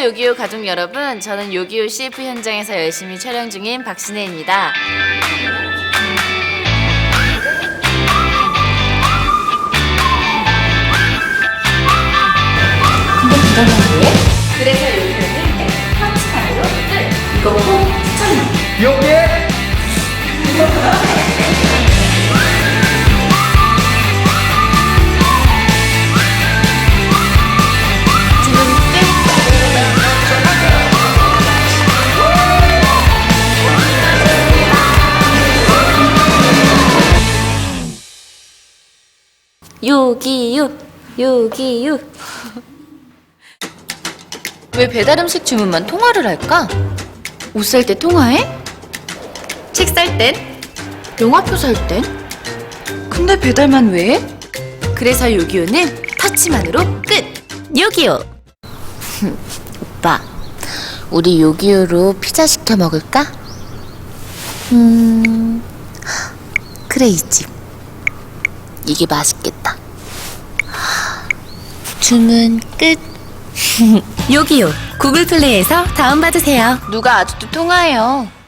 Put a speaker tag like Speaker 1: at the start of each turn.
Speaker 1: 요기요 가족 여러분, 저는 요기요 CF 현장에서 열심히 촬영 중인 박신혜입니다.
Speaker 2: 근데 그거는 왜? 그래서 요기요는 펀치만으로 끝! 이거 꼭 추천해!
Speaker 3: 여기에
Speaker 1: 지금 요기요 요기요. 왜 배달 음식 주문만 통화를 할까? 옷 살 때 통화해? 책 살 땐? 영화표 살 땐? 근데 배달만 왜 해? 그래서 요기요는 터치만으로 끝! 요기요! 오빠, 우리 요기요로 피자 시켜 먹을까? 그래, 이 집. 이게 맛있겠다. 주문 끝. 요기요 구글 플레이에서 다운받으세요. 누가 아직도 통화해요.